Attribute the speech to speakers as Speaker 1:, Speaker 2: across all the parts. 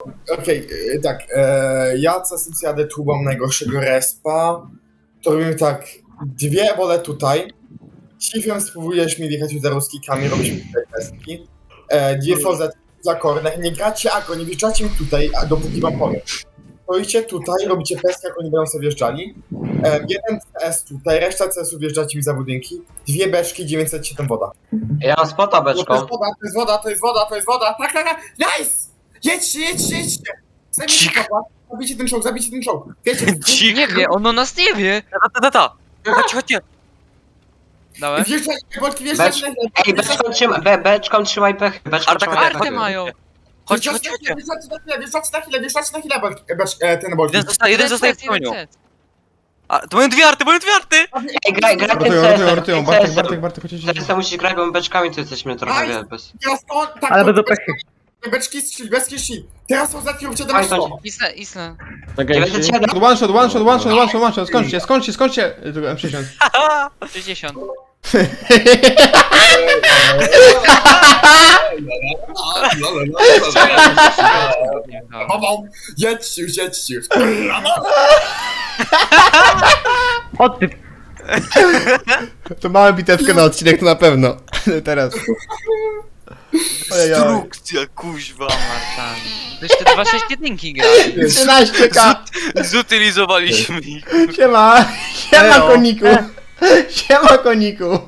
Speaker 1: Okej, tak. Ja co jadę tu, mam najgorszego respa. To robimy tak. Dwie ebole tutaj. Chiefem spróbujesz mi wjechać za ruskikami, robisz mi tutaj testki. Dwie FOZ za corner. Nie gracie agro, nie wjeżdżacie mi tutaj, a dopóki wam powiem. Stoicie tutaj, robicie peskę, jak oni będą sobie wjeżdżali. Jeden CS tutaj, reszta CS-u wjeżdżacie mi za budynki. Dwie beczki, 907 woda.
Speaker 2: Ja mam spota
Speaker 1: To
Speaker 2: beczką.
Speaker 1: jest woda, to jest woda, to jest woda, to jest woda. Tak, tak, tak. Nice! Jedźcie, jedźcie, jedźcie! Zabijcie kopa. Zabijcie ten czołg. Wiecie,
Speaker 3: Nie wie, on o nas nie wie. Chodźcie. Dałem?
Speaker 1: wjeżdżajcie, bolki, wjeżdżajcie na chwilę.
Speaker 2: Ej, beczką trzymaj pech. Beczką
Speaker 3: Arta
Speaker 2: trzymaj
Speaker 3: kartę
Speaker 2: pech.
Speaker 3: mają. Chodźcie.
Speaker 1: Wjeżdżajcie na chwilę, ten bolki.
Speaker 3: Jeden zostaje w koniu. A, to mają dwie arty,
Speaker 2: Ej, graj ten
Speaker 4: Rotują. Bartek, chodźcie.
Speaker 2: CS musisz grać, bo beczkami to jesteśmy trochę, wiele bez...
Speaker 1: Teraz on, tak,
Speaker 5: Ale
Speaker 1: to
Speaker 5: będą pechy.
Speaker 1: beczki strzeli, beczki strzeli. Teraz są zatki, róbcie
Speaker 2: Oj,
Speaker 1: damage.
Speaker 3: Isla.
Speaker 2: 97.
Speaker 4: One shot. Skończcie. M60.
Speaker 3: 60.
Speaker 1: Jedźcie już.
Speaker 5: Odtyp.
Speaker 4: To małe bitewkę na odcinek, to na pewno. Teraz. Ojej.
Speaker 3: Instrukcja, kuźwa. To jeszcze 2-6 jedynki grali.
Speaker 4: 13k.
Speaker 3: Zutylizowaliśmy ich.
Speaker 4: Siema koniku.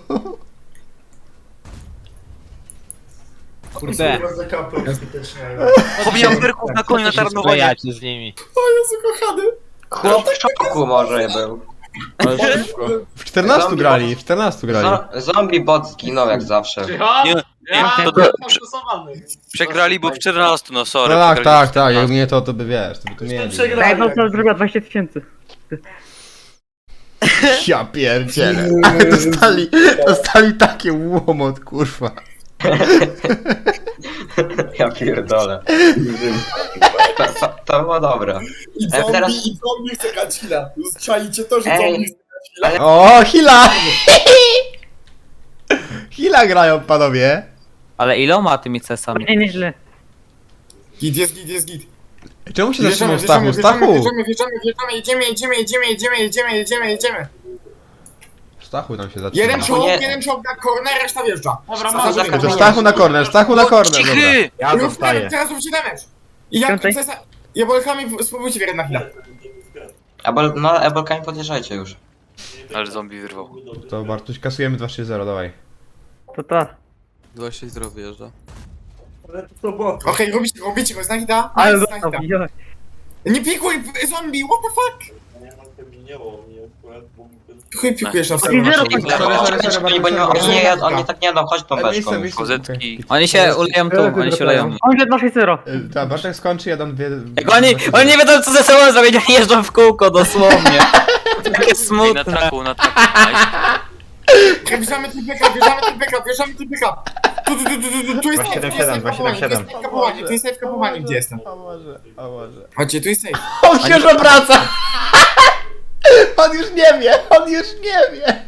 Speaker 5: Kurde.
Speaker 3: Pobijam perków na koniu na tarnowanie.
Speaker 6: z nimi.
Speaker 1: O Jezu, kochany.
Speaker 2: Chłop w szoku może był.
Speaker 4: W 14 grali.
Speaker 2: Zombie bot zginął jak zawsze.
Speaker 3: Przegrali, bo w 14, no sorry.
Speaker 4: No
Speaker 3: przegrali w
Speaker 4: tak,
Speaker 3: 14.
Speaker 4: jak mnie to by wiesz, to by tu mieli.
Speaker 5: Daj no to zrobiła 20 000.
Speaker 4: Ja pierdzielę. Dostali takie łomot, kurwa.
Speaker 2: Ja pierdolę. To było dobre.
Speaker 1: I
Speaker 2: teraz-
Speaker 1: zombie chce grać chwila. Czaicie to, że
Speaker 2: Ej.
Speaker 1: zombie chce grać chwila?
Speaker 4: O, Hila! Hila grają, panowie.
Speaker 6: Ale iloma tymi cesami?
Speaker 5: Nie, nieźle.
Speaker 1: Git, jest git.
Speaker 4: Czemu się zatrzymał Stachu? Stachu!
Speaker 1: Jedziemy.
Speaker 4: Stachu tam się zatrzymał.
Speaker 1: Jeden czołg na corner, reszta wjeżdża.
Speaker 4: To Stachu na corner, dobra.
Speaker 3: Cichy!
Speaker 5: Ja zostaję.
Speaker 1: Teraz róbcie damage. I jak
Speaker 5: Piątej?
Speaker 1: jabłkami spróbujcie wjechać na chwilę.
Speaker 2: Ebolkami podjeżdżajcie już.
Speaker 3: Ale zombie wyrwał.
Speaker 4: To Bartuś, kasujemy 2-3-0, dawaj.
Speaker 5: To.
Speaker 7: 2-6 zdrowy wjeżdża.
Speaker 1: Okej, robicie go, znak da?
Speaker 5: Ale
Speaker 1: Nice,
Speaker 5: został.
Speaker 1: znak da. Nie pikuj, zombie, what the fuck? Chuj pikujesz na
Speaker 5: I zero
Speaker 1: sobie.
Speaker 2: Beczkami, bo oni tak nie jadą, chodź tą beczką.
Speaker 3: Kozetki.
Speaker 6: Oni się uleją tu, oni się uleją.
Speaker 5: On wie 2-6-0.
Speaker 4: Tak, Bartek skończy, ja dam dwie...
Speaker 6: Jak oni nie wiedzą co ze sobą zrobić, oni jeżdżą w kółko dosłownie. Takie
Speaker 3: Na
Speaker 6: smutne.
Speaker 3: traku.
Speaker 1: Wjeżdżamy typyka. Tu jest safe kapowanie, gdzie jestem?
Speaker 4: O Boże.
Speaker 1: Chodźcie, tu jest safe.
Speaker 4: On się już obraca! On już nie wie!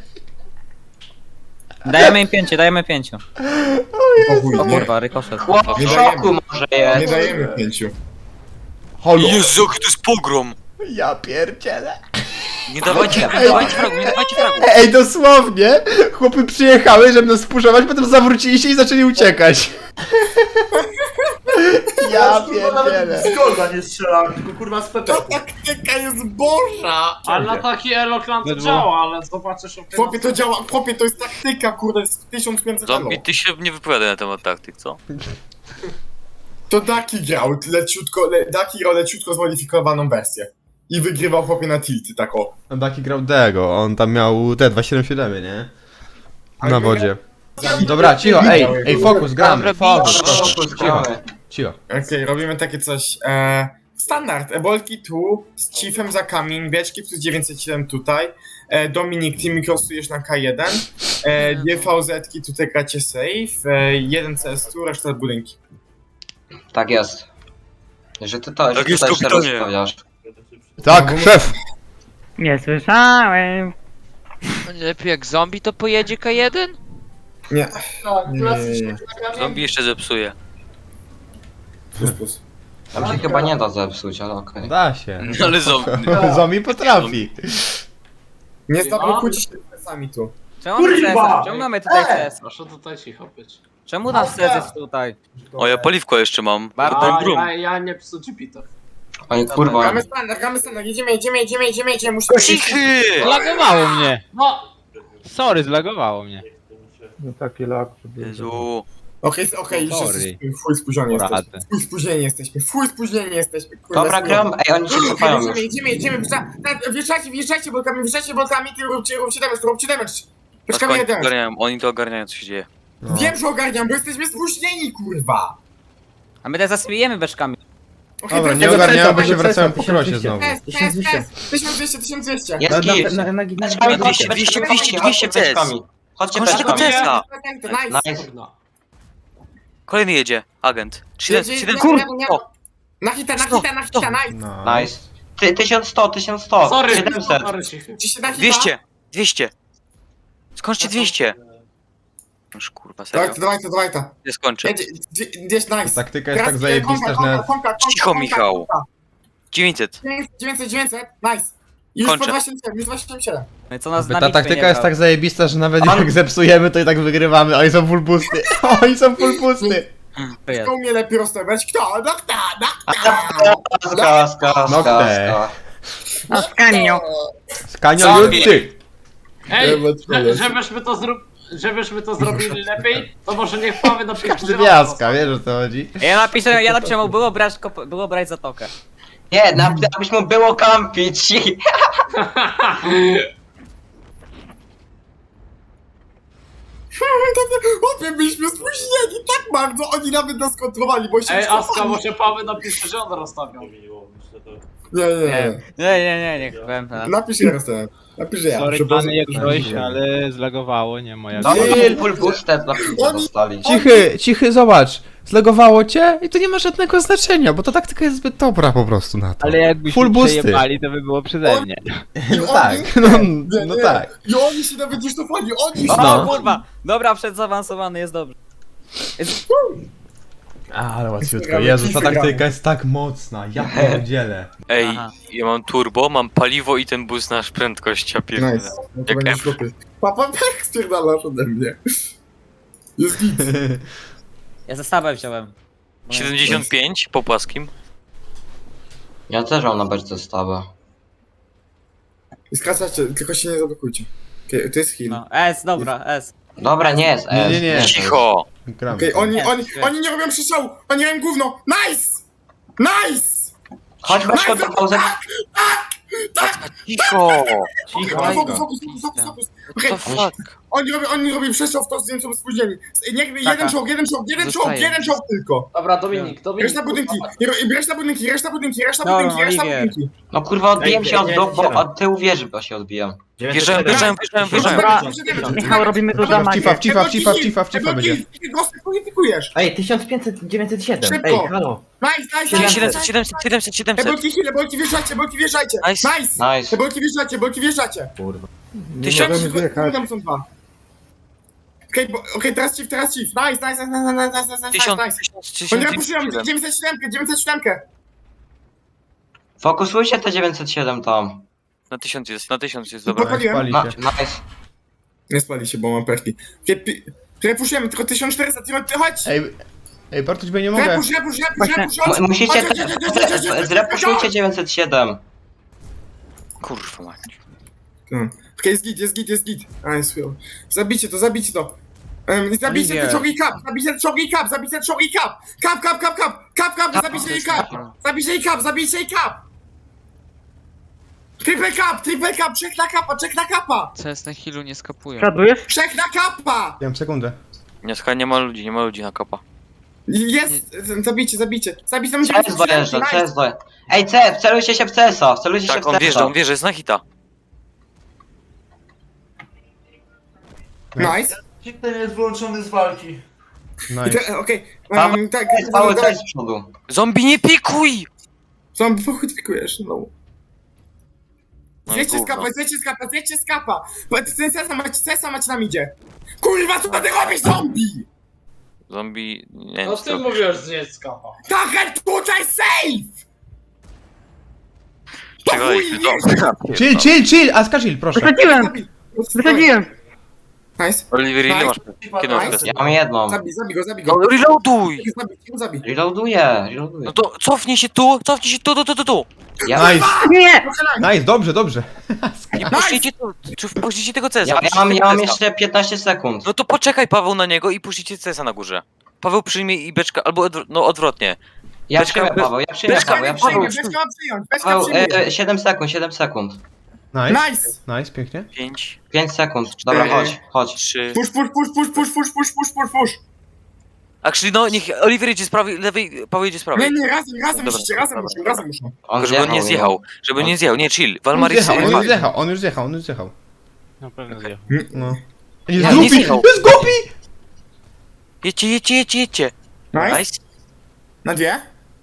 Speaker 6: Dajemy 5. O kurwa, rykoszet.
Speaker 2: Chłop w szoku może
Speaker 1: Nie
Speaker 2: jest.
Speaker 1: dajemy 5.
Speaker 4: Halo!
Speaker 3: Jezu, jaki to jest pogrom!
Speaker 4: Ja pierdzielę!
Speaker 3: Nie dawajcie fragu.
Speaker 4: Ej, dosłownie! Chłopy przyjechały, żeby nas spuszować, potem zawrócili się i zaczęli uciekać. Ja pierdzielę.
Speaker 8: Z Golda nie strzelałem, tylko kurwa z PP.
Speaker 1: Ta taktyka jest boża!
Speaker 8: Ale na taki Eloklan to działa, ale zobaczysz o
Speaker 1: Chłopie, to działa, chłopie, to jest taktyka, kurde, jest 1500
Speaker 3: Zombie, ty się nie wypowiadaj na temat taktyk, co?
Speaker 1: To Daki grał Daki grał leciutko zmodyfikowaną wersję. I wygrywał chłopie na tilty, tak o.
Speaker 4: Taki grał Dego, on tam miał te 277, nie? Na wodzie. Dobra, cicho, ej, fokus, gramy, fokus, cicho.
Speaker 1: Okej, robimy takie coś, standard, ebolki tu, z chiefem za kamień, beczki plus 907 tutaj, Dominik, ty mikrosujesz na K1, dwie VZ-ki tutaj gracie safe, jeden CS tu, reszta budynki.
Speaker 2: Tak jest. Że ty to, że
Speaker 3: Tak jest,
Speaker 2: tutaj się
Speaker 3: kapitanie.
Speaker 2: rozstawiasz.
Speaker 4: Tak, szef!
Speaker 5: Nie słyszałem.
Speaker 3: Lepiej jak zombie to pojedzie K1?
Speaker 1: Nie.
Speaker 3: Zombie jeszcze zepsuje.
Speaker 1: Plus.
Speaker 2: Tam się chyba nie da zepsuć, ale okej.
Speaker 4: Da się.
Speaker 3: Ale zombie.
Speaker 4: Zombie potrafi.
Speaker 1: Nie zablokujcie się sami tu.
Speaker 6: Czemu mamy
Speaker 8: Kurwa!
Speaker 6: CS? Czemu mamy tutaj CS?
Speaker 8: Proszę tutaj cicho być.
Speaker 6: Czemu nasz CS jest tutaj?
Speaker 3: O, ja paliwko jeszcze mam.
Speaker 6: Bardzo
Speaker 3: brum.
Speaker 8: Ja nie psuć pitów.
Speaker 2: Oni kurwa...
Speaker 1: Gramy standard, jedziemy, musimy...
Speaker 3: Cichy!
Speaker 9: Zlagowało mnie.
Speaker 8: No!
Speaker 9: Sorry, zlagowało mnie.
Speaker 3: Jezu.
Speaker 1: Okej, już
Speaker 9: Sorry.
Speaker 1: jesteśmy, fuj spóźnieni
Speaker 9: Poradzę.
Speaker 1: jesteśmy, fuj spóźnieni jesteśmy, kurwa.
Speaker 2: Dobra, gram. Ej, oni się cofają już.
Speaker 1: Jedziemy, wjeżdżajcie blokami, ty róbcie damage. Poczekamy jeden.
Speaker 3: Oni to ogarniają, co się dzieje.
Speaker 4: No.
Speaker 1: Wiem, że ogarniam, bo jesteśmy spóźnieni, kurwa.
Speaker 6: A my teraz zasmijemy beczkami.
Speaker 1: Okej,
Speaker 4: Dobra,
Speaker 1: teraz
Speaker 4: nie
Speaker 1: tego
Speaker 4: ogarniamy, bo
Speaker 1: CS-a,
Speaker 4: się wracałem po krosie znowu.
Speaker 1: PS, 1200.
Speaker 2: Jest git. Beczkami,
Speaker 3: 200, 200, 200, 200
Speaker 2: beczkami. Chodźcie
Speaker 3: Chodźcie tego
Speaker 2: beczkami.
Speaker 3: CS-a.
Speaker 1: Nice.
Speaker 2: Nice.
Speaker 8: Kurna.
Speaker 3: Kolejny jedzie. Agent. 700,
Speaker 1: Jedzie,
Speaker 3: 700.
Speaker 1: nie.
Speaker 3: O,
Speaker 1: Na hita, nice.
Speaker 4: No.
Speaker 2: Nice. 1100.
Speaker 8: Sorry,
Speaker 2: 700.
Speaker 8: sorry, cichy.
Speaker 1: Ci się na hita?
Speaker 3: 200. Skończcie 200. Noż kurwa, serio.
Speaker 1: Dawaj to.
Speaker 3: Nie skończę.
Speaker 1: Gdzieś nice.
Speaker 4: Taktyka jest tak zajebista, że nawet...
Speaker 3: Cicho, Michał. 900.
Speaker 1: 900, nice. Już
Speaker 3: Kończę.
Speaker 1: po 277.
Speaker 6: No i co nas
Speaker 4: Ta
Speaker 6: na bitwie
Speaker 4: taktyka
Speaker 6: nie
Speaker 4: jest
Speaker 6: brał?
Speaker 4: tak zajebista, że nawet jak zepsujemy, to i tak wygrywamy. Oni są full pusty. Oni są full pusty.
Speaker 1: Kto umie lepiej rozstawiać? Kto? No kto?
Speaker 2: Skaska.
Speaker 5: A skanio.
Speaker 4: Skanio ty.
Speaker 8: Ej,
Speaker 1: Eee,
Speaker 8: żebyśmy to zrobili lepiej, to może niech Paweł napisze.
Speaker 4: Każdy wiaska, wiesz o co chodzi?
Speaker 6: Ja napiszę mu było brać zatokę.
Speaker 2: Nie, abyś mu było kampić.
Speaker 1: Opie, byliśmy spóźnieni tak bardzo, oni nawet nas kontrowali, bo się
Speaker 8: Ej, Aska,
Speaker 1: cofali.
Speaker 8: może Paweł napisze, że on rozstawiał.
Speaker 1: Nie.
Speaker 6: Niech powiem.
Speaker 1: Napisz ja rozstawiam. Napisz że ja.
Speaker 9: Sorry,
Speaker 1: Przepraszam.
Speaker 9: pany jak coś, ale zlagowało, nie moja
Speaker 2: No,
Speaker 1: Nie.
Speaker 2: full boosted na pizzę dostali.
Speaker 4: Cichy, zobacz. Zlegowało cię i to nie ma żadnego znaczenia, bo ta taktyka jest zbyt dobra po prostu na to.
Speaker 9: Ale jakbyśmy
Speaker 4: Full boosty.
Speaker 9: przejebali, to by było przeze mnie.
Speaker 4: No tak, no tak.
Speaker 1: I oni się nawet nie cofali, oni się...
Speaker 6: O kurwa! Dobra, przedzaawansowany jest dobrze.
Speaker 4: Ale łatwiutko. Jezu, ta taktyka jest tak mocna, ja pierdzielę.
Speaker 3: Ej,
Speaker 6: Aha.
Speaker 3: ja mam turbo, mam paliwo i ten boost nasz prędkość, ja pierdolę.
Speaker 1: Nice. No to
Speaker 3: Jak
Speaker 1: będzie
Speaker 3: F.
Speaker 1: ślepy. Papa, tak spierdalasz ode mnie. Jest git.
Speaker 6: Ja zestawę wziąłem.
Speaker 3: 75 po płaskim.
Speaker 2: Ja też mam na beczce stawę.
Speaker 1: I skracacie, tylko się nie zablokujcie. Okej, to jest heal.
Speaker 6: No, S, dobra, S.
Speaker 2: Dobra, nie jest S.
Speaker 4: Nie.
Speaker 3: Cicho!
Speaker 4: Gramy.
Speaker 1: Okej, oni nie robią przystrzału, oni robią gówno. Nice! Nice!
Speaker 2: Chodź do pauzy.
Speaker 3: Cicho!
Speaker 1: Fokus. Okej,
Speaker 3: To fuck?
Speaker 1: oni robią przestrzał w to, z tym są spóźnieni. Niech
Speaker 6: Taka.
Speaker 1: jeden czołg tylko.
Speaker 8: Dobra, Dominik.
Speaker 1: Reszta budynki, reszta budynki.
Speaker 2: No kurwa, odbiłem się od bloku, bo od tyłu wieży bo się odbijam.
Speaker 3: Wjeżdżałem.
Speaker 5: Michał, robimy tu damagę.
Speaker 4: W cifa będzie.
Speaker 1: Pikujesz.
Speaker 10: Ej, 1500, 907.
Speaker 1: Szybko.
Speaker 10: Ej, halo.
Speaker 1: Nice.
Speaker 3: 700.
Speaker 1: Bolki wjeżdżajcie. Nice.
Speaker 2: Nice.
Speaker 1: Te bolki wjeżdżacie.
Speaker 10: Kurwa.
Speaker 1: Tam są dwa. Okej, teraz chief. Nice. Oni repusztują 907.
Speaker 2: Fokusujcie te 907 tam.
Speaker 3: Na 1000 jest, dobra.
Speaker 1: Podpaliłem.
Speaker 4: Pali się.
Speaker 2: Nice.
Speaker 1: Nie spali się, bo mam perki. Repuszujemy, tylko 1400, chodź!
Speaker 4: Ej, Bartuś, bo ja nie mogę.
Speaker 1: Repusz!
Speaker 2: Musicie zrepuszujcie 907.
Speaker 3: Kurwa mać.
Speaker 1: Okej, jest git. A, jest chujowo. Zabijcie to. Zabijcie te czołgi kap! Zabijcie jej kap! Triple cap! Trzech na kapa!
Speaker 3: CS na healu nie skapują.
Speaker 5: Szadujesz?
Speaker 1: Trzech na kapa!
Speaker 4: Ja mam sekundę.
Speaker 3: Nie ma ludzi na kopa.
Speaker 1: Jest! Zabijcie!
Speaker 2: CS dojeżdża, CS dojeżdża. Ej, CS, wcelujcie się w CS-a,
Speaker 3: Tak, on wjeżdża, jest na hita.
Speaker 1: Nice!
Speaker 8: Ten jest wyłączony z walki.
Speaker 4: Nice.
Speaker 1: Okej, tak,
Speaker 2: Cały CS z przodu.
Speaker 3: Zombie, nie pikuj!
Speaker 1: Zombie, pochwytkujesz, no.
Speaker 3: No i
Speaker 1: Zjedźcie
Speaker 3: gówno.
Speaker 1: z kapa! Ten sesa macie na midzie! Kurwa, co ty robisz, zombie?
Speaker 3: Zombie... Nie wiem,
Speaker 8: No
Speaker 3: co
Speaker 8: ty
Speaker 3: to-
Speaker 8: mówisz z dziecka.
Speaker 1: Tak, tutaj safe!
Speaker 3: Czekaj,
Speaker 4: Chill, Aska chill, proszę.
Speaker 5: Wysadziłem!
Speaker 1: Nice.
Speaker 3: Oliver, ile masz? Kiedy masz
Speaker 1: Nice.
Speaker 3: test?
Speaker 2: Ja mam jedną.
Speaker 1: Zabij go, zabij
Speaker 3: No
Speaker 1: go.
Speaker 3: reloaduj!
Speaker 1: Zabij.
Speaker 2: Reloaduję.
Speaker 3: No to cofnij się tu, tu.
Speaker 2: Ja,
Speaker 4: Nice,
Speaker 5: Nie!
Speaker 4: nice, dobrze.
Speaker 3: Nie puszczcie tu, czy puszczcie tego CS-a.
Speaker 2: ja mam jeszcze 15 sekund.
Speaker 3: No to poczekaj Paweł na niego i puszczcie CS-a na górze. Paweł przyjmie i beczka, albo odwrotnie.
Speaker 2: Ja
Speaker 3: Beczka-
Speaker 2: przyjmę Paweł, ja przyjmę
Speaker 1: Beczka
Speaker 2: Paweł,
Speaker 1: nie
Speaker 2: ja
Speaker 1: przyjmie,
Speaker 2: przyjmę.
Speaker 1: beczka ma przyjąć, beczka
Speaker 2: Paweł,
Speaker 1: przyjmie.
Speaker 2: 7 sekund.
Speaker 4: Nice,
Speaker 1: Nice.
Speaker 4: pięknie.
Speaker 3: 5,
Speaker 2: 5 sekund. Dobra, chodź.
Speaker 3: 3...
Speaker 1: Push.
Speaker 3: Actually, no niech Oliver jedzie z prawej, lewej, Paweł jedzie z prawej.
Speaker 1: Nie, razem
Speaker 3: Dobra,
Speaker 1: musicie, razem muszą.
Speaker 3: Tylko żeby on nie zjechał, żeby nie zjechał, nie chill. Walmaris...
Speaker 4: On już zjechał.
Speaker 9: Na pewno zjechał.
Speaker 4: No.
Speaker 3: Ja
Speaker 4: Jest
Speaker 3: nie
Speaker 4: głupi,
Speaker 3: zjechał.
Speaker 4: jest głupi!
Speaker 3: Jedźcie.
Speaker 1: Nice.
Speaker 3: Nice.
Speaker 1: Na dwie?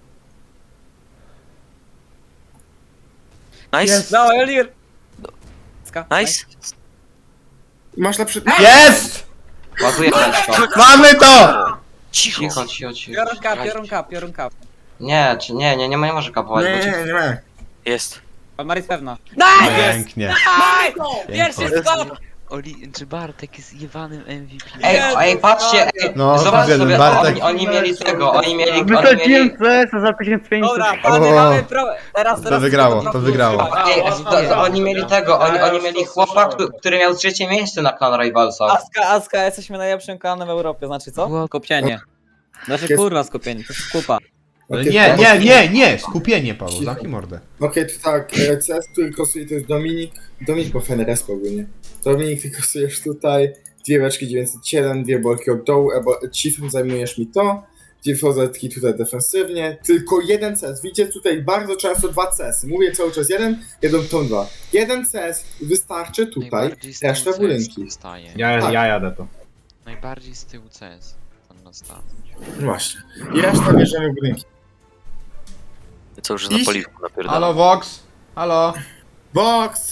Speaker 3: Nice.
Speaker 6: No, Oliver!
Speaker 3: Nice.
Speaker 1: Masz lepszy...
Speaker 4: Jest!
Speaker 2: Ładuję beczko.
Speaker 4: Mamy to!
Speaker 3: Cicho.
Speaker 2: Cicho.
Speaker 6: Piorun kap.
Speaker 2: Nie może kapować, bo ci...
Speaker 1: Nie.
Speaker 3: Jest.
Speaker 6: Palmaris pewna.
Speaker 4: Pięknie.
Speaker 6: Pierwszy skok!
Speaker 3: Czy Bartek jest jebanym MVP?
Speaker 2: Ej, patrzcie,
Speaker 4: No,
Speaker 2: zobacz
Speaker 4: widzę,
Speaker 2: sobie,
Speaker 4: Bartek.
Speaker 2: oni mieli tego, oni mieli...
Speaker 5: Wysadziłem CS za 1500.
Speaker 6: Dobra, panie, mamy pro... Teraz
Speaker 4: To wygrało.
Speaker 2: Ej, oni mieli tego, oni mieli chłopa, który miał 3 miejsce na Clan Rivalsa.
Speaker 6: Aska, jesteśmy najlepszym klanem w Europie, znaczy co? Skupienie. Znaczy kurwa skupienie, to jest kupa.
Speaker 4: Nie, skupienie, Paweł, zamknij mordę.
Speaker 1: Okej, to tak, CS, który kosuje, to jest Dominik po Feneres ogólnie. Dominik, ty kosujesz tutaj, 2 beczki 907, 2 bolki od dołu, Chiefem zajmujesz mi to, 2 fozetki tutaj defensywnie, tylko 1 CS, widzicie tutaj bardzo często 2 CS-y, mówię cały czas 1 tą 2. 1 CS wystarczy tutaj, reszta budynki.
Speaker 9: Ja jadę to.
Speaker 3: Najbardziej z tyłu CS. Tam na start.
Speaker 1: Właśnie. I reszta bierzemy budynki.
Speaker 3: Co już na poliwku napierdalam.
Speaker 4: Halo, Vox? Halo?
Speaker 1: Box!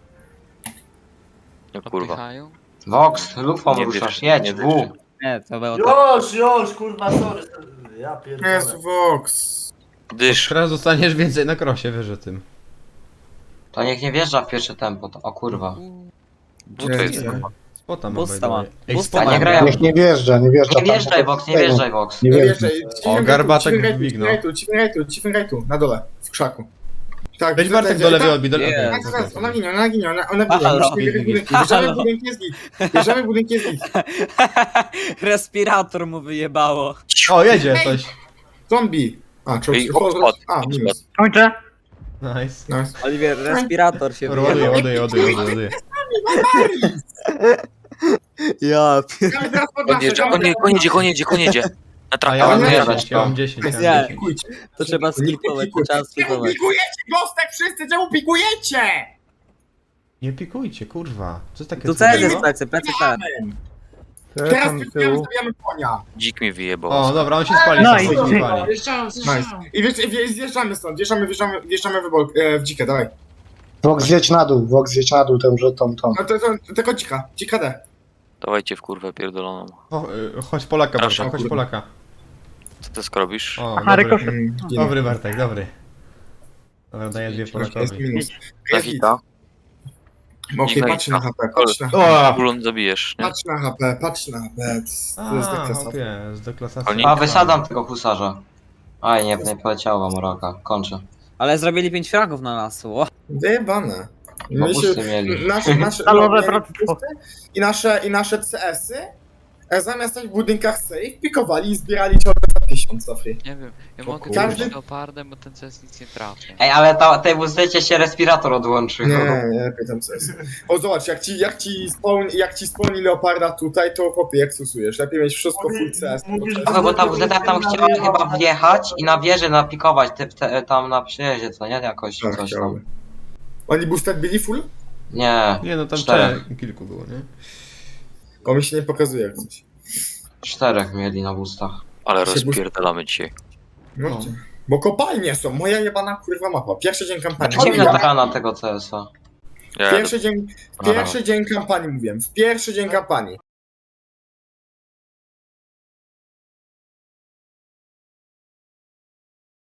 Speaker 3: No kurwa.
Speaker 2: Vox, lufą
Speaker 3: Nie
Speaker 2: ruszasz,
Speaker 3: wiesz,
Speaker 2: jedź,
Speaker 3: nie
Speaker 2: W.
Speaker 6: Nie, to było tak.
Speaker 8: Już, kurwa, sorry. Ja pierdolę.
Speaker 1: Jest Vox.
Speaker 3: Dysz.
Speaker 4: Teraz dostaniesz więcej na krosie, wiesz o tym.
Speaker 2: To niech nie wjeżdża w pierwsze tempo, to, o kurwa.
Speaker 3: Co to jest?
Speaker 4: Spota ma,
Speaker 6: Busta ma.
Speaker 4: Ej,
Speaker 6: Busta
Speaker 2: A
Speaker 6: ma.
Speaker 2: nie grają.
Speaker 11: Nie wjeżdża.
Speaker 2: Nie wjeżdżaj, Vox, nie wjeżdżaj, Vox.
Speaker 11: Nie
Speaker 1: No
Speaker 11: wjeżdża.
Speaker 1: wjeżdżaj,
Speaker 4: O, garbatek dźwignął.
Speaker 1: Chiefem rajtu, na dole, w krzaku. Tak,
Speaker 4: Weź
Speaker 1: tutaj
Speaker 4: Bartek
Speaker 1: będzie-
Speaker 4: do lewej
Speaker 1: tak,
Speaker 4: odbij, do lewej.
Speaker 6: Nie.
Speaker 1: Tak, zaraz, ona ginie, ona ginie.
Speaker 6: Halo.
Speaker 1: Musimy bierać budynki. Bierzemy budynki, jest git. Bierzemy budynki, jest git.
Speaker 6: Respirator mu wyjebało.
Speaker 4: O, jedzie coś.
Speaker 1: Zombie. A, czy
Speaker 3: Ej, odpad.
Speaker 1: minus.
Speaker 5: Kończę.
Speaker 4: Nice.
Speaker 1: Nice.
Speaker 6: Oliver, respirator się wyjebało.
Speaker 4: Ładuję.
Speaker 6: Ja
Speaker 1: Czekamy teraz pod nasze,
Speaker 3: Koń jedzie. Na
Speaker 4: A
Speaker 3: trawę.
Speaker 4: ja mam
Speaker 2: nie,
Speaker 4: 10, ja mam 10.
Speaker 1: Nice.
Speaker 4: ja mam
Speaker 6: Nie.
Speaker 4: 10.
Speaker 1: Pikujcie.
Speaker 6: To trzeba skipować, to trzeba
Speaker 1: Czemu
Speaker 6: skipować.
Speaker 1: pikujecie, Gostek, wszyscy? Czemu pikujecie?
Speaker 4: Nie pikujcie, kurwa. Co jest takie
Speaker 6: Tu CS
Speaker 4: trudnego?
Speaker 6: jest plecy tak.
Speaker 1: Teraz pikujemy, zabijamy konia.
Speaker 3: Dzik mi wyjebał.
Speaker 4: O, dobra, on się spali,
Speaker 5: No
Speaker 4: sam
Speaker 5: i-
Speaker 4: się spali.
Speaker 1: Nice. I zjeżdżamy stąd, wjeżdżamy w dzikę, dawaj.
Speaker 11: Vox zjedź na dół, tą.
Speaker 1: No to tylko dzika D.
Speaker 3: Dawajcie w kurwę pierdoloną.
Speaker 4: Chodź Polaka,
Speaker 3: Proszę,
Speaker 4: Bartek, chodź
Speaker 1: kurwa.
Speaker 4: Polaka.
Speaker 3: Co ty skrobisz?
Speaker 4: O,
Speaker 5: Aha,
Speaker 4: dobry.
Speaker 5: rykoszyt.
Speaker 4: Dobry Bartek, dobry. Dobra, daję 2
Speaker 1: Jest
Speaker 4: Polakowi.
Speaker 1: minus.
Speaker 3: Na
Speaker 1: Jest git.
Speaker 3: hita.
Speaker 1: Okej,
Speaker 3: Dziwna
Speaker 1: patrz
Speaker 3: hita.
Speaker 1: na HP, patrz na HP.
Speaker 3: Bulon zabijesz, nie?
Speaker 1: Patrz na HP. To jest
Speaker 4: A,
Speaker 1: deklasa.
Speaker 4: hopie, z deklasacji.
Speaker 3: Oni-
Speaker 2: A, wysadzam tego husarza. Aj, nie poleciało wam Moroka, kończę.
Speaker 6: Ale zrobili 5 fragów na nas, o.
Speaker 1: Wyjebane.
Speaker 2: Bo busty mieli.
Speaker 1: Nasze
Speaker 5: Stalowe
Speaker 1: mieli
Speaker 5: bractwo.
Speaker 1: busty i nasze CS-y zamiast stać w budynkach safe, pikowali i zbierali ciągle za 1000 free.
Speaker 3: Nie wiem, ja
Speaker 1: O
Speaker 3: mogę
Speaker 1: kurwa.
Speaker 3: Każdy... leopardem, bo ten CS nic nie trafi.
Speaker 2: Ej, ale tej WZ się respirator odłączył.
Speaker 1: Nie pytam CS. O zobacz, jak ci spełni leoparda tutaj, to chłopie, jak stosujesz? Lepiej mieć wszystko full CS.
Speaker 2: No bo ta WZ tam chciała chyba wjechać i na wieży napikować, tam na przyjeździe, co nie? Jakoś
Speaker 1: Tak,
Speaker 2: coś tam.
Speaker 1: chciałbym. Oni boosted byli full?
Speaker 2: Nie,
Speaker 4: Nie no, tam
Speaker 2: 4.
Speaker 4: kilku było, nie?
Speaker 1: Bo mi się nie pokazuje jak coś.
Speaker 2: 4 mieli na boostach.
Speaker 3: Ale
Speaker 1: Się
Speaker 3: rozpierdalamy dzisiaj.
Speaker 1: No.
Speaker 4: No.
Speaker 1: Bo kopalnie są, moja jebana kurwa mapa. Pierwszy dzień kampanii.
Speaker 2: Dziwna
Speaker 1: Mówiłem.
Speaker 2: taka tego CS-a.
Speaker 3: Ja
Speaker 1: Pierwszy dzień kampanii mówiłem. W pierwszy dzień kampanii.